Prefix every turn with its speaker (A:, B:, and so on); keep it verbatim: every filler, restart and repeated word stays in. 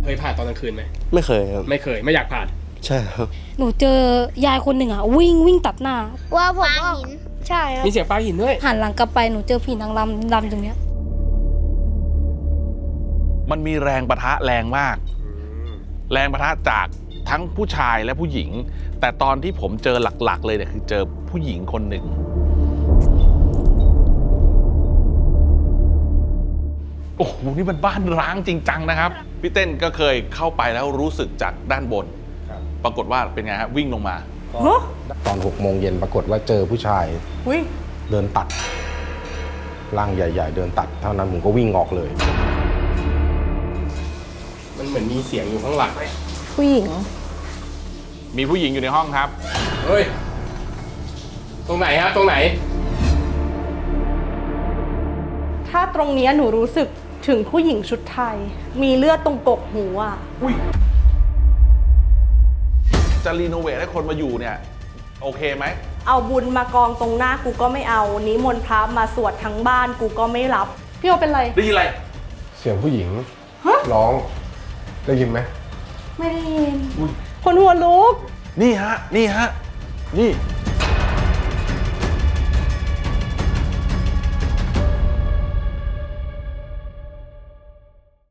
A: เคยผ่านตอนกลางคืนไหม
B: ไม่เคยครับ
A: ไม่เคยไม่อยากผ่าน
B: ใช่ครับ
C: หนูเจอยายคนหนึ่งอ่ะวิ่งวิ่งตัดหน้า
D: ว่าผมก็ใช่ครับ
A: มีเสียงปลาหินด้วย
C: หันหลังกลับไปหนูเจอผีนางรำรำตรงเนี้ย
E: มันมีแรงปะทะแรงมากแรงปะทะจากทั้งผู้ชายและผู้หญิงแต่ตอนที่ผมเจอหลักๆเลยเนี่ยคือเจอผู้หญิงคนหนึ่งโอ้โหนี่มันบ้านร้างจริงจังนะครับพี่เต้นก็เคยเข้าไปแล้วรู้สึกจากด้านบนปรากฏว่าเป็นไงฮะวิ่งลงมา
F: ตอนหกโมงเย็นปรากฏว่าเจอผู้ชายเดินตัดร่างใหญ่ๆเดินตัดเท่านั้นผมก็วิ่งออกเลย
A: มันเหมือนมีเสียงอยู่ข้างหลัง
C: ผู้หญิง
E: มีผู้หญิงอยู่ในห้องครับ
A: เฮ้ยตรงไหนฮะตรงไหน
G: ถ้าตรงนี้หนูรู้สึกถึงผู้หญิงชุดไทยมีเลือดตรงกกหูอ่ะ
E: อุ้ยจะรีโนเวทให้คนมาอยู่เนี่ยโอเคไหม
G: เอาบุญมากองตรงหน้ากูก็ไม่เอานิมนต์พระมาสวดทั้งบ้านกูก็ไม่รับพี่โอเป็นไร
E: ได้ยินอะไร
F: เสียงผู้หญิงร้องได้ยินไหม
G: ไม่ได้ยินคนหัวลุก
E: นี่ฮะนี่ฮะนี่